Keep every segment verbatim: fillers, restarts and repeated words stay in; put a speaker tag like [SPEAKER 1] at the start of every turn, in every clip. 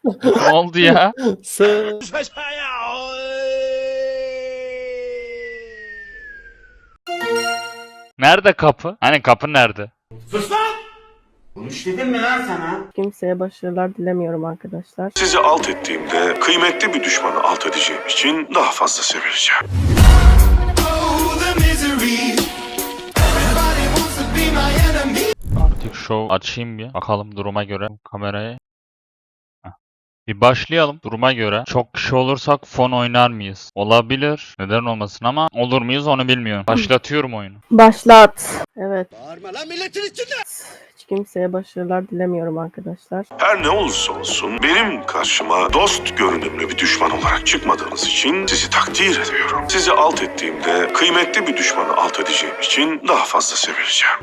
[SPEAKER 1] Ne oldu ya?
[SPEAKER 2] Sı
[SPEAKER 1] Nerede kapı? Hani kapı nerede?
[SPEAKER 3] Sus lan! Konuş dedim mi lan sana?
[SPEAKER 4] Kimseye başarılar dilemiyorum arkadaşlar.
[SPEAKER 5] Sizi alt ettiğimde kıymetli bir düşmanı alt edeceğim için daha fazla sevileceğim.
[SPEAKER 1] Artık show açayım bir. Bakalım duruma göre kamerayı. Heh. Bir başlayalım duruma göre. Çok kişi olursak fon oynar mıyız? Olabilir. Neden olmasın ama olur muyuz onu bilmiyorum. Başlatıyorum oyunu.
[SPEAKER 4] Başlat. Evet.
[SPEAKER 3] Bağırma lan milletin içinde!
[SPEAKER 4] Hiç kimseye başarılar dilemiyorum arkadaşlar.
[SPEAKER 5] Her ne olursa olsun benim karşıma dost görünümlü bir düşman olarak çıkmadığınız için sizi takdir ediyorum. Sizi alt ettiğimde kıymetli bir düşmanı alt edeceğim için daha fazla sevileceğim.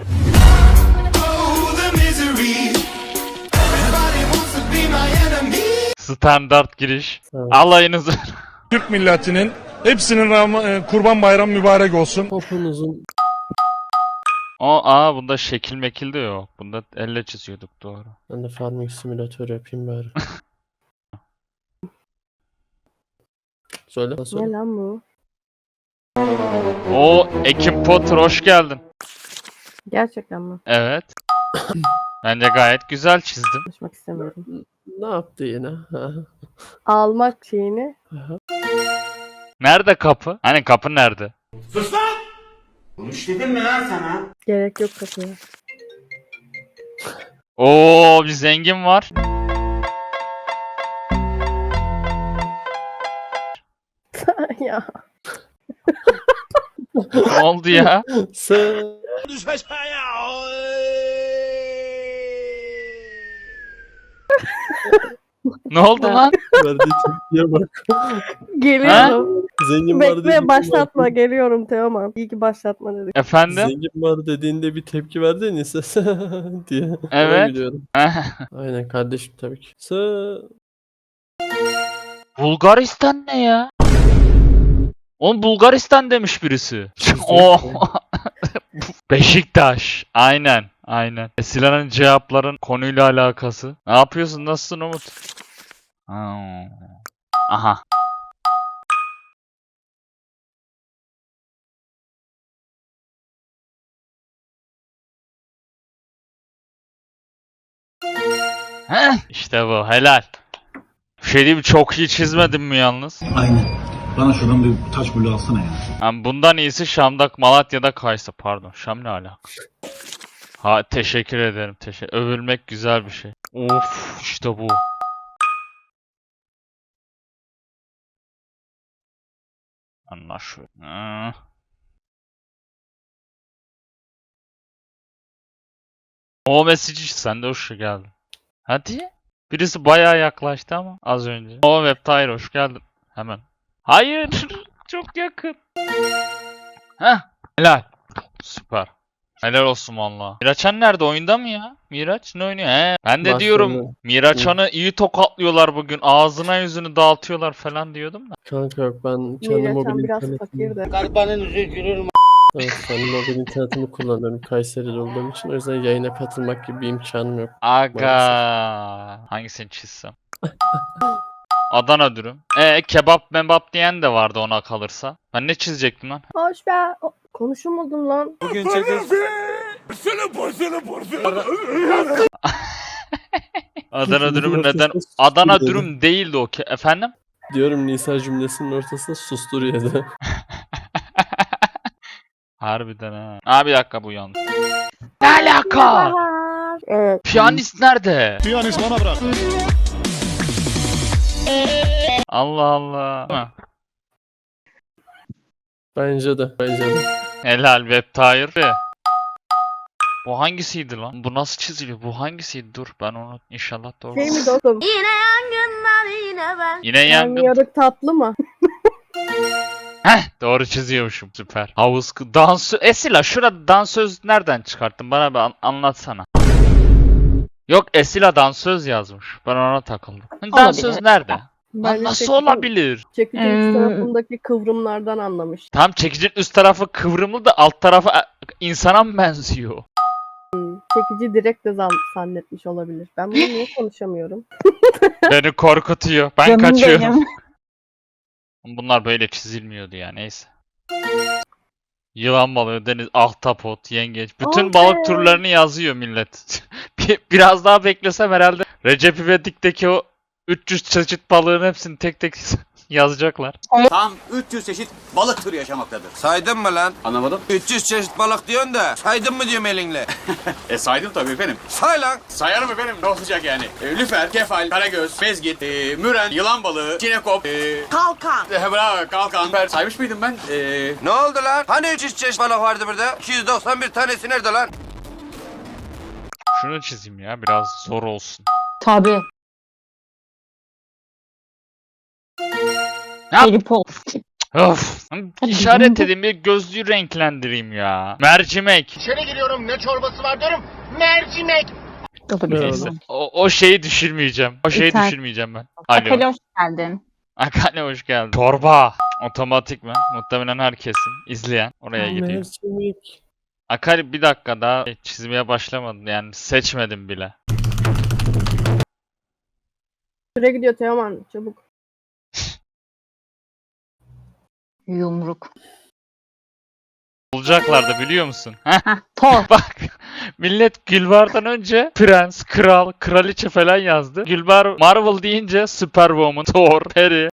[SPEAKER 1] Standart giriş.
[SPEAKER 2] Evet.
[SPEAKER 1] Alayınızı.
[SPEAKER 6] Türk milletinin hepsinin Ram- e, Kurban Bayramı mübarek olsun.
[SPEAKER 2] Popunuzun
[SPEAKER 1] O aa bunda şekil mekil de yok. Bunda elle çiziyorduk doğru.
[SPEAKER 2] ben de farming simülatör yapayım bari. Söyle. Söyle.
[SPEAKER 4] Ne lan bu?
[SPEAKER 1] O Ekim Potter hoş geldin.
[SPEAKER 4] Gerçekten mi?
[SPEAKER 1] Evet. Bence gayet güzel çizdim.
[SPEAKER 4] Konuşmak istemiyorum.
[SPEAKER 2] Ne yaptı yine? Ha.
[SPEAKER 4] Almak şeyini.
[SPEAKER 1] Nerede kapı? Hani kapı nerede?
[SPEAKER 3] Sus lan! Konuş dedim mi lan sana?
[SPEAKER 4] Gerek yok kapıya.
[SPEAKER 1] Oo bir zengin var.
[SPEAKER 4] Ya.
[SPEAKER 1] Ne oldu ya?
[SPEAKER 2] Sı
[SPEAKER 3] Düş aşağıya!
[SPEAKER 1] Ne oldu lan?
[SPEAKER 2] verdiği tepkiye bak.
[SPEAKER 4] Geliyorum.
[SPEAKER 2] Zengin var dediğinde
[SPEAKER 4] Bekle başlatma geliyorum Teoman. İyi ki başlatma dedik.
[SPEAKER 1] Efendim?
[SPEAKER 2] Zengin var dediğinde bir tepki verdi neyse diye. Ona
[SPEAKER 1] Evet.
[SPEAKER 2] gülüyorum. Aynen kardeşim tabii ki. Sı
[SPEAKER 1] Bulgaristan ne ya? Oğlum Bulgaristan demiş birisi. O Beşiktaş. Aynen. Aynen. Esilerin cevapların konuyla alakası. Ne yapıyorsun? Nasılsın Umut? Ha. Aha. Heh, işte bu. Helal. Bir şey diyeyim mi? Çok iyi çizmedim mi yalnız?
[SPEAKER 7] Aynen. Bana şuradan bir taş bulu alsana ya.
[SPEAKER 1] Yani bundan iyisi Şam'da, Malatya'da Kaysa. Pardon. Şam ne alaka? Ha teşekkür ederim. Teşekkür. Övülmek güzel bir şey. Of işte bu. Anlaşılıyor. Hmm. O mesajı sen de hoş geldin. Hadi. Birisi bayağı yaklaştı ama az önce. O Webtire hoş geldin. Hemen. Hayır. Çok yakın. Heh. Helal. Süper. Helal olsun valla. Miraçhan nerede? Oyunda mı ya? Miraç ne oynuyor? He. Ben de
[SPEAKER 2] Başladı.
[SPEAKER 1] diyorum Miraçhan'ı iyi tokatlıyorlar bugün. Ağzına yüzünü dağıtıyorlar falan diyordum da.
[SPEAKER 2] kanka yok ben kendi
[SPEAKER 4] Miraçhan
[SPEAKER 2] mobil
[SPEAKER 4] biraz
[SPEAKER 2] internetimi
[SPEAKER 4] fakirdi.
[SPEAKER 3] Garibanın yüzü gülür mü?
[SPEAKER 2] evet, kendi mobil internetimi kullanıyorum Kayseri'de olduğum için o yüzden yayına katılmak gibi bir imkanım yok.
[SPEAKER 1] Aga. Hangisini çizsem? Adana dürüm. E kebap membap diyen de vardı ona kalırsa. Ben ne çizecektim lan?
[SPEAKER 4] Hoş be. O- Konuşulmadın lan.
[SPEAKER 2] Bugün çekiş
[SPEAKER 1] Adana dürümü
[SPEAKER 2] Ortasında
[SPEAKER 1] neden?
[SPEAKER 2] sustur
[SPEAKER 1] Adana
[SPEAKER 2] dedi.
[SPEAKER 1] dürüm değildi o ke- efendim?
[SPEAKER 2] diyorum Nisa cümlesinin ortasında sustur yedi.
[SPEAKER 1] Harbiden ha. Aa bir dakika bu yanlış. Ne alaka?
[SPEAKER 4] Evet.
[SPEAKER 1] Piyanist nerede?
[SPEAKER 6] Piyanist bana bırak.
[SPEAKER 1] Allah Allah. Ha.
[SPEAKER 2] Bence de. Bence de.
[SPEAKER 1] Helal Webtire. Bu hangisiydi lan? Bu nasıl çiziliyor? Bu hangisiydi? Dur ben onu inşallah doğru.
[SPEAKER 4] Şey mi dostum?
[SPEAKER 8] Yine yangınlar yine ben.
[SPEAKER 1] Yine
[SPEAKER 4] Yani
[SPEAKER 1] yangın.
[SPEAKER 4] yarık tatlı mı?
[SPEAKER 1] Heh doğru çiziyormuşum. Süper. Havuz kı- dansöz. Esila şurada dansöz nereden çıkarttın? Bana bir an- anlatsana. Yok Esila dansöz yazmış. Ben ona takıldım. Dansöz nerede? Lan
[SPEAKER 4] Bence
[SPEAKER 1] nasıl
[SPEAKER 4] çekicin-
[SPEAKER 1] olabilir?
[SPEAKER 4] Çekicin üst tarafındaki kıvrımlardan anlamış.
[SPEAKER 1] Tam çekicinin üst tarafı kıvrımlı da alt tarafı e, insana mı benziyor?
[SPEAKER 4] çekici direkt de zan zannetmiş olabilir. Ben bunu niye konuşamıyorum?
[SPEAKER 1] Beni korkutuyor. Ben
[SPEAKER 9] Canım
[SPEAKER 1] kaçıyorum.
[SPEAKER 9] benim.
[SPEAKER 1] Bunlar böyle çizilmiyordu ya, neyse. Yılan balığı, deniz, ahtapot, yengeç. Bütün
[SPEAKER 4] Okey.
[SPEAKER 1] balık türlerini yazıyor millet. Bir- Biraz daha beklesem herhalde Recep İvedik'teki o üç yüz çeşit balığın hepsini tek tek yazacaklar.
[SPEAKER 3] Tam üç yüz çeşit balık türü yaşamaktadır.
[SPEAKER 10] Saydın mı lan?
[SPEAKER 3] Anlamadım.
[SPEAKER 10] üç yüz çeşit balık diyorsun da saydın mı diyorum elinle.
[SPEAKER 3] E saydım tabii efendim.
[SPEAKER 10] Say lan.
[SPEAKER 3] Sayarım efendim, ne olacak yani? E, lüfer, kefal, karagöz, mezgit, e, müren, yılan balığı, çinekop, e,
[SPEAKER 8] Kalkan.
[SPEAKER 3] e, bravo, kalkan. Ben saymış mıydım ben? E,
[SPEAKER 10] Ne oldu lan? Hani üç yüz çeşit balık vardı burada? iki yüz doksan bir tanesi nerede lan?
[SPEAKER 1] Şunu çizeyim ya, biraz zor olsun.
[SPEAKER 9] Tabii.
[SPEAKER 1] Ne yap-
[SPEAKER 9] Harry Potter.
[SPEAKER 1] Of! İşaret edeyim, bir gözlüğü renklendireyim ya. Mercimek.
[SPEAKER 3] İçeri giriyorum, ne çorbası var diyorum. Mercimek.
[SPEAKER 1] Neyse. O, o şeyi düşürmeyeceğim. O şeyi
[SPEAKER 9] Yeter.
[SPEAKER 1] düşürmeyeceğim ben. Alo.
[SPEAKER 9] Akale hoş geldin.
[SPEAKER 1] Akane hoş geldin. Çorba. Otomatik mi? Muhtemelen herkesin izleyen oraya gidiyor.
[SPEAKER 2] Mercimek.
[SPEAKER 1] Akali bir dakika daha çizmeye başlamadım, yani seçmedim bile.
[SPEAKER 4] Süre gidiyor Teoman, çabuk.
[SPEAKER 9] Yumruk.
[SPEAKER 1] Bulacaklardı biliyor musun? Heh,
[SPEAKER 9] Heh, Thor.
[SPEAKER 1] bak. Millet Gülbar'dan önce prens, kral, kraliçe falan yazdı. Gülbar Marvel deyince Superwoman, Thor, Peri.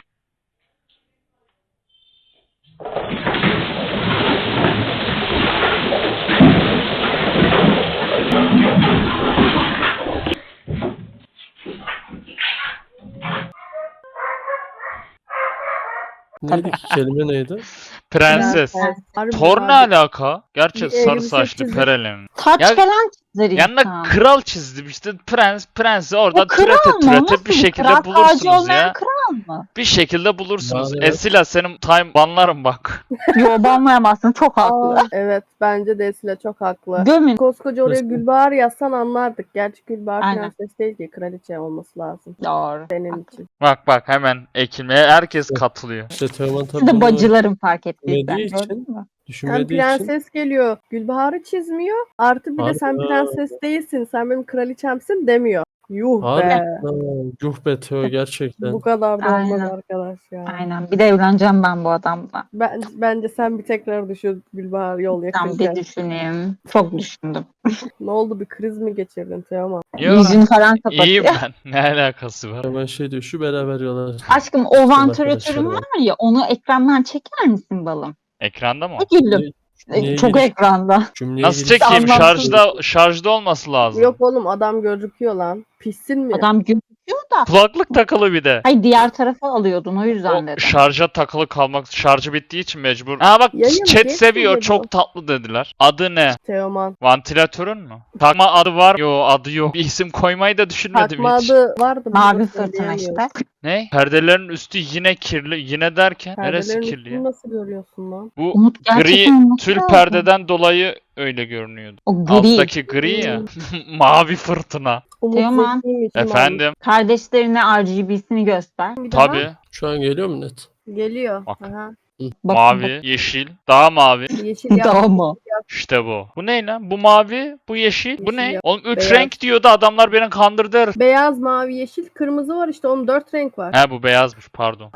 [SPEAKER 2] Neydi ki kelime neydi?
[SPEAKER 1] Prenses.
[SPEAKER 4] Evet, harbi
[SPEAKER 1] Thor ne
[SPEAKER 4] harbi.
[SPEAKER 1] alaka? Gerçi
[SPEAKER 4] Bir
[SPEAKER 1] sarı
[SPEAKER 4] elbise
[SPEAKER 1] saçlı
[SPEAKER 4] çizdi.
[SPEAKER 1] Perelen.
[SPEAKER 9] Taç
[SPEAKER 1] Ya-
[SPEAKER 9] falan çizer
[SPEAKER 1] Yanına
[SPEAKER 9] insan.
[SPEAKER 1] kral çizdim işte, prens, prensi orada
[SPEAKER 9] O kral
[SPEAKER 1] türete
[SPEAKER 9] mı?
[SPEAKER 1] türete
[SPEAKER 9] Nasıl
[SPEAKER 1] bir şekilde
[SPEAKER 9] kral? Tacı
[SPEAKER 1] bulursunuz
[SPEAKER 9] olmayan
[SPEAKER 1] ya.
[SPEAKER 9] kral mı?
[SPEAKER 1] Bir şekilde bulursunuz.
[SPEAKER 2] Maalesef.
[SPEAKER 1] Esila senin time banlarım bak.
[SPEAKER 9] Yo banlayamazsın, çok haklı.
[SPEAKER 4] Aa, evet bence de Esile çok haklı.
[SPEAKER 9] Gömün.
[SPEAKER 4] Koskoca oraya
[SPEAKER 2] Nasıl?
[SPEAKER 4] Gülbahar yazsan anlardık. Gerçi Gülbahar
[SPEAKER 9] Aynen.
[SPEAKER 4] prenses değil ki, kraliçe olması lazım
[SPEAKER 9] Doğru.
[SPEAKER 4] senin için.
[SPEAKER 1] Bak bak hemen ekilmeye herkes katılıyor.
[SPEAKER 2] İşte Teoman tabii
[SPEAKER 9] Siz de
[SPEAKER 2] bunu
[SPEAKER 9] bacılarım fark ettiysen.
[SPEAKER 2] Bilmediği için-
[SPEAKER 9] Gördün mü?
[SPEAKER 4] Sen
[SPEAKER 2] düşünmediği için
[SPEAKER 4] prenses geliyor. Gülbahar'ı çizmiyor. Artı bir de sen
[SPEAKER 2] Harbi.
[SPEAKER 4] prenses değilsin. Sen benim kraliçemsin demiyor. Yuh
[SPEAKER 2] Harbi.
[SPEAKER 4] be.
[SPEAKER 2] Ha, yuh be Teo gerçekten.
[SPEAKER 4] Bu kadar da olmaz
[SPEAKER 9] Aynen.
[SPEAKER 4] arkadaş ya.
[SPEAKER 9] Aynen. Bir de evleneceğim ben bu adamla.
[SPEAKER 4] Ben, bence sen bir tekrar düşün Gülbahar yol
[SPEAKER 9] Ben
[SPEAKER 4] yakınken.
[SPEAKER 9] bir düşüneyim. Çok düşündüm.
[SPEAKER 4] Ne oldu, bir kriz mi geçirdin Teoman?
[SPEAKER 1] Yo,
[SPEAKER 9] Yüzünü falan kapatıyor.
[SPEAKER 1] iyiyim ben. Ne alakası var?
[SPEAKER 2] Hemen şey diyor, şu beraber yola.
[SPEAKER 9] Aşkım o vantilatörün
[SPEAKER 2] arkadaşlarım.
[SPEAKER 9] var ya, onu ekrandan çeker misin balım?
[SPEAKER 1] Ekranda mı?
[SPEAKER 9] Ne güldüm.
[SPEAKER 2] Niye
[SPEAKER 9] Çok
[SPEAKER 2] giriş-
[SPEAKER 9] ekranda.
[SPEAKER 2] Cümleye
[SPEAKER 1] Nasıl
[SPEAKER 2] giriş-
[SPEAKER 1] çekeyim?
[SPEAKER 9] Anlamsız.
[SPEAKER 1] Şarjda şarjda olması lazım.
[SPEAKER 4] Yok oğlum, adam gözüküyor lan. Pissin mi?
[SPEAKER 9] Adam gözüküyor da.
[SPEAKER 1] Kulaklık takılı bir de.
[SPEAKER 9] Hayır, diğer tarafa alıyordun, o yüzden
[SPEAKER 1] O
[SPEAKER 9] dedim.
[SPEAKER 1] şarja takılı kalmak, şarjı bittiği için mecbur. Ha bak,
[SPEAKER 4] Yayın
[SPEAKER 1] chat
[SPEAKER 4] geç
[SPEAKER 1] seviyor,
[SPEAKER 4] dedi bu.
[SPEAKER 1] çok tatlı dediler. Adı ne?
[SPEAKER 4] Teoman.
[SPEAKER 1] Vantilatörün mü? Takma adı var. Yo, adı yok. Bir isim koymayı da düşünmedim
[SPEAKER 4] Takma
[SPEAKER 1] hiç.
[SPEAKER 4] adı vardı.
[SPEAKER 9] Mavi
[SPEAKER 4] bunu
[SPEAKER 9] fırtına
[SPEAKER 4] söyleyemiyorum.
[SPEAKER 9] işte.
[SPEAKER 1] Ne? Perdelerin üstü yine kirli. Yine derken neresi
[SPEAKER 4] Perdelerin
[SPEAKER 1] kirli
[SPEAKER 4] üstünü
[SPEAKER 1] ya?
[SPEAKER 4] nasıl görüyorsun lan?
[SPEAKER 1] Bu
[SPEAKER 9] Umut
[SPEAKER 1] gri
[SPEAKER 9] gerçekten unuttu
[SPEAKER 1] tül
[SPEAKER 9] lazım.
[SPEAKER 1] perdeden dolayı öyle görünüyordu.
[SPEAKER 9] O gri.
[SPEAKER 1] Alttaki gri ya. Mavi fırtına.
[SPEAKER 4] Umut
[SPEAKER 9] Teoman.
[SPEAKER 4] zekiymiş, ulan.
[SPEAKER 1] Efendim?
[SPEAKER 9] Kardeşlerine R G B'sini göster.
[SPEAKER 4] Bir daha
[SPEAKER 1] Tabii.
[SPEAKER 2] Şu an geliyor mu net?
[SPEAKER 4] Geliyor.
[SPEAKER 1] Bak.
[SPEAKER 4] Aha.
[SPEAKER 9] Bak,
[SPEAKER 1] Mavi, yeşil, daha mavi.
[SPEAKER 4] Yeşil
[SPEAKER 9] bak.
[SPEAKER 4] yap.
[SPEAKER 9] Tamam.
[SPEAKER 1] İşte bu. Bu ne lan? Bu mavi, bu yeşil. Bu
[SPEAKER 4] Yeşil
[SPEAKER 1] ne?
[SPEAKER 4] yap.
[SPEAKER 1] Oğlum üç
[SPEAKER 4] Beyaz.
[SPEAKER 1] renk diyordu, adamlar beni kandırdı herif.
[SPEAKER 4] Beyaz, mavi, yeşil, kırmızı var işte. Onun dört renk var.
[SPEAKER 1] He, bu beyazmış, pardon.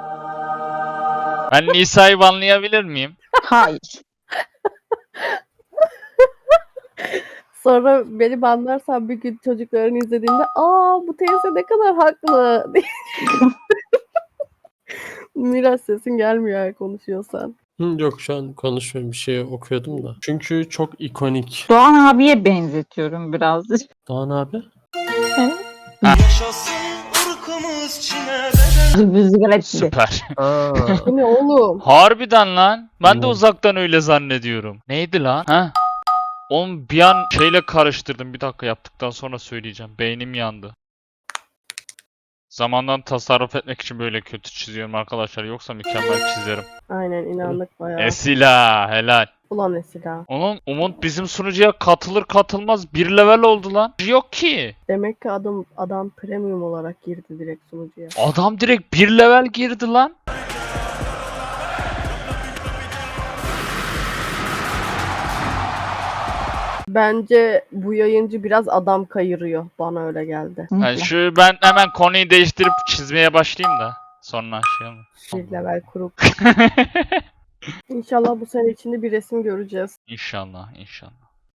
[SPEAKER 1] Ben Nisa'yı banlayabilir miyim?
[SPEAKER 9] Hayır.
[SPEAKER 4] Sonra beni banlarsan bir gün çocukların izlediğinde aa bu teyze ne kadar haklı diye. Miras, sesin gelmiyor eğer konuşuyorsan.
[SPEAKER 2] Hı, yok şu an konuşmuyorum, bir şey okuyordum da. Çünkü çok ikonik.
[SPEAKER 9] Doğan abiye benzetiyorum birazcık.
[SPEAKER 2] Doğan abi.
[SPEAKER 9] Rüzgar etti.
[SPEAKER 1] Süper.
[SPEAKER 2] Aa,
[SPEAKER 4] Bu ne oğlum?
[SPEAKER 1] Harbiden lan. Ben de
[SPEAKER 2] Hmm.
[SPEAKER 1] uzaktan öyle zannediyorum. Neydi lan? Ha? Oğlum bir an şeyle karıştırdım. Bir dakika, yaptıktan sonra söyleyeceğim. Beynim yandı. Zamandan tasarruf etmek için böyle kötü çiziyorum arkadaşlar. Yoksa mükemmel çizerim.
[SPEAKER 4] Aynen, inandık bayağı.
[SPEAKER 1] Esila helal.
[SPEAKER 4] Ulan Esila.
[SPEAKER 1] Oğlum Umut bizim sunucuya katılır katılmaz bir level oldu lan. Yok ki.
[SPEAKER 4] Demek ki adam adam premium olarak girdi direkt sunucuya.
[SPEAKER 1] Adam direkt bir level girdi lan.
[SPEAKER 4] Bence bu yayıncı biraz adam kayırıyor. Bana öyle geldi.
[SPEAKER 1] Yani şu ben hemen konuyu değiştirip çizmeye başlayayım da sonra şey olma.
[SPEAKER 4] Bir level kurup. İnşallah bu sene içinde bir resim göreceğiz.
[SPEAKER 1] İnşallah, inşallah.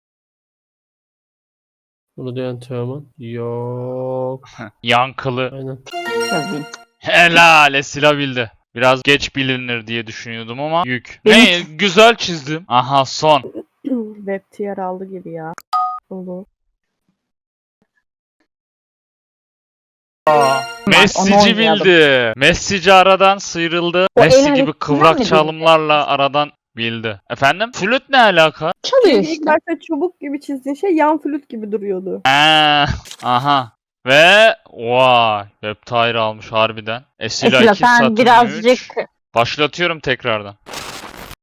[SPEAKER 2] Bunu diyen Teoman. Yok.
[SPEAKER 1] Yankılı.
[SPEAKER 2] Aynen.
[SPEAKER 9] Yazayım.
[SPEAKER 1] Helal Esila bildi. Biraz geç bilinir diye düşünüyordum ama yük.
[SPEAKER 9] Benim-
[SPEAKER 1] Ne güzel çizdim. Aha son.
[SPEAKER 4] Web tier aldı gibi ya. Olur.
[SPEAKER 1] Messi'ci
[SPEAKER 9] oynayalım.
[SPEAKER 1] bildi. Messi'ci aradan sıyrıldı.
[SPEAKER 9] O el
[SPEAKER 1] Messi gibi
[SPEAKER 9] hareketinden
[SPEAKER 1] kıvrak
[SPEAKER 9] mi
[SPEAKER 1] çalımlarla aradan bildi. Efendim? Flüt ne alaka?
[SPEAKER 9] Çalıyor
[SPEAKER 4] İlk
[SPEAKER 9] işte.
[SPEAKER 4] başta çubuk gibi çizdiğin şey yan flüt gibi duruyordu.
[SPEAKER 1] Ee, aha. Ve vay. Web Tire almış harbiden. Esila
[SPEAKER 9] Esila
[SPEAKER 1] iki
[SPEAKER 9] sen
[SPEAKER 1] Saturn
[SPEAKER 9] birazcık
[SPEAKER 1] üç. Başlatıyorum tekrardan.